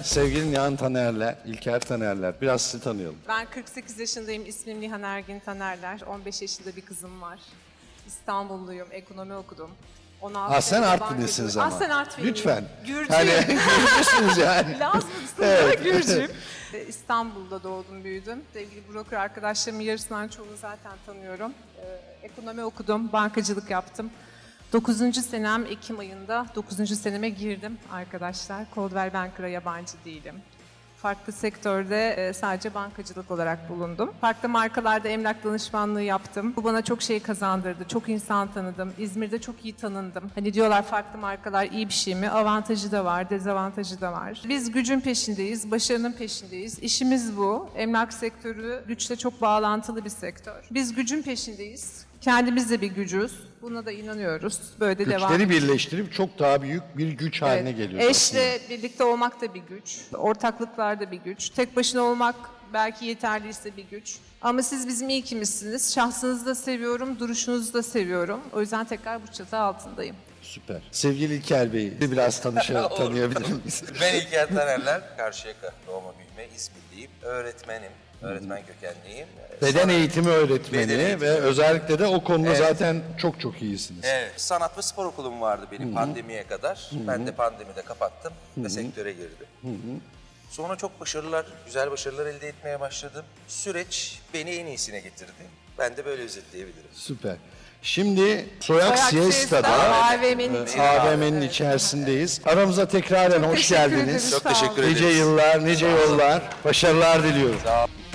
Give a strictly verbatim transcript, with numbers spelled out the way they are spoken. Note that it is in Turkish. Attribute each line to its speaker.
Speaker 1: sevgili Nihan Taner'le, İlker Taner'ler. Biraz sizi tanıyalım.
Speaker 2: Ben kırk sekiz yaşındayım. İsmim Nihan Ergin Tanerler. on beş yaşında bir kızım var. İstanbulluyum. Ekonomi okudum. on altı
Speaker 1: Ha sen
Speaker 2: senede
Speaker 1: Artvinlisiniz
Speaker 2: bankacılık-
Speaker 1: ama.
Speaker 2: Ah sen Artvinliyim.
Speaker 1: Lütfen.
Speaker 2: Gürcüyüm.
Speaker 1: Hani Gürcüsünüz yani.
Speaker 2: Lazım
Speaker 1: Evet.
Speaker 2: Gürcüyüm. Ee, İstanbul'da doğdum, büyüdüm. Sevgili broker arkadaşlarımın yarısından çoğunu zaten tanıyorum. Ee, ekonomi okudum, bankacılık yaptım. dokuzuncu senem Ekim ayında dokuzuncu seneme girdim arkadaşlar. Coldwell Banker'a yabancı değilim. Farklı sektörde e, sadece bankacılık olarak bulundum. Farklı markalarda emlak danışmanlığı yaptım. Bu bana çok şey kazandırdı. Çok insan tanıdım. İzmir'de çok iyi tanındım. Hani diyorlar farklı markalar iyi bir şey mi? Avantajı da var, dezavantajı da var. Biz gücün peşindeyiz, başarının peşindeyiz. İşimiz bu. Emlak sektörü güçle çok bağlantılı bir sektör. Biz gücün peşindeyiz. Kendimiz de bir gücüz. Buna da inanıyoruz. Böyle de devam
Speaker 1: Güçleri
Speaker 2: ediyoruz.
Speaker 1: birleştirip çok daha büyük bir güç haline geliyor.
Speaker 2: Eşle birlikte olmak da bir güç. Ortaklıklar da bir güç. Tek başına olmak belki yeterliyse bir güç. Ama siz bizim iyi kimizsiniz. Şahsınızı da seviyorum, duruşunuzu da seviyorum. O yüzden tekrar bu çatı altındayım.
Speaker 1: Süper. Sevgili İlker Bey'i biraz tanışa, tanıyabilir miyiz?
Speaker 3: Ben İlker Tanerler, Karşıyaka doğma büyüme İzmirliyim. Öğretmenim, öğretmen kökenliyim.
Speaker 1: Beden
Speaker 3: Sanat-
Speaker 1: eğitimi öğretmeni
Speaker 3: Beden eğitimi
Speaker 1: ve
Speaker 3: öğretmeni.
Speaker 1: özellikle de o konuda
Speaker 3: Evet.
Speaker 1: zaten çok çok iyisiniz.
Speaker 3: Evet, sanat ve spor okulum vardı benim pandemiye kadar. Ben de pandemide kapattım ve sektöre girdim. Sonra çok başarılar, güzel başarılar elde etmeye başladım. Süreç beni en iyisine getirdi. Ben de böyle özetleyebilirim.
Speaker 1: Süper. Şimdi Soyak
Speaker 2: Soyak
Speaker 1: Siesta'da
Speaker 2: A V M'nin
Speaker 1: e,
Speaker 2: içinde.
Speaker 1: A V M'nin içerisindeyiz. Aramıza tekraren hoş
Speaker 2: Teşekkür
Speaker 1: geldiniz.
Speaker 2: ederiz.
Speaker 3: Çok
Speaker 2: Sağ olun.
Speaker 3: teşekkür ederiz.
Speaker 1: Nice yıllar, nice yollar, başarılar diliyorum.
Speaker 3: Sağ olun.